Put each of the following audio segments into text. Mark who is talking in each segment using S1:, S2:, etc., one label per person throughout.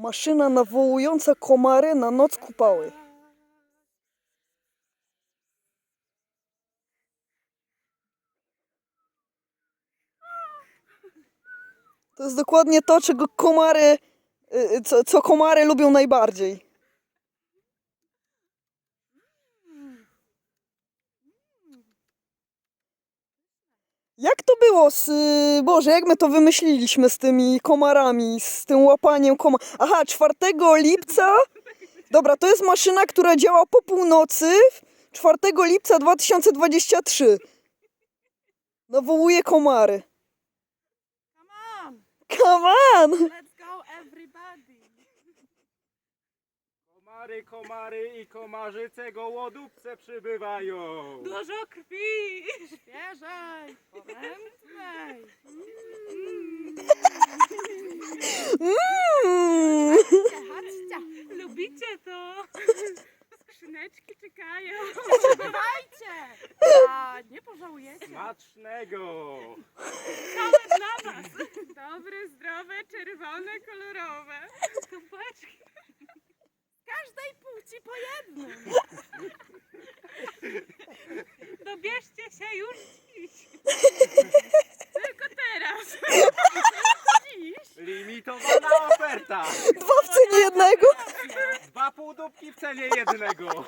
S1: Maszyna nawołująca komary na noc kupały. To jest dokładnie to, czego komary, co komary lubią najbardziej. Jak to było z... Boże, jak my to wymyśliliśmy z tymi komarami, z tym łapaniem komar... Aha, 4 lipca... Dobra, to jest maszyna, która działa po północy 4 lipca 2023. Nawołuje komary.
S2: Come on!
S1: Come on!
S2: Let's go everybody!
S3: Komary, komary i komarzyce gołodupce przybywają.
S2: Dużo krwi! Świeżej! Poręcznej! Chodźcie! Lubicie to? Skrzyneczki czekają. Dawajcie! A nie pożałujecie.
S3: Smacznego.
S2: Całe dla was. Dobre, zdrowe, czerwone, kolorowe. Kubeczki. Każdej płci po jednym. Dobierzcie się już dziś. Tylko teraz. Dziś.
S3: Limitowana oferta.
S1: 2 w cenie jednego.
S3: 2 półdupki w cenie jednego.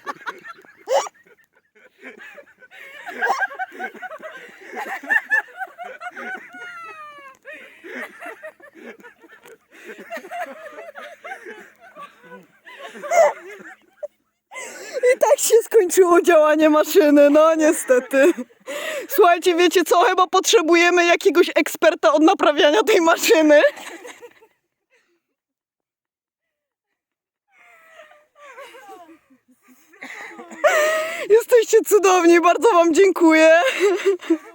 S1: I tak się skończyło działanie maszyny, no niestety. Słuchajcie, wiecie co? Chyba potrzebujemy jakiegoś eksperta od naprawiania tej maszyny. Jesteście cudowni, bardzo wam dziękuję.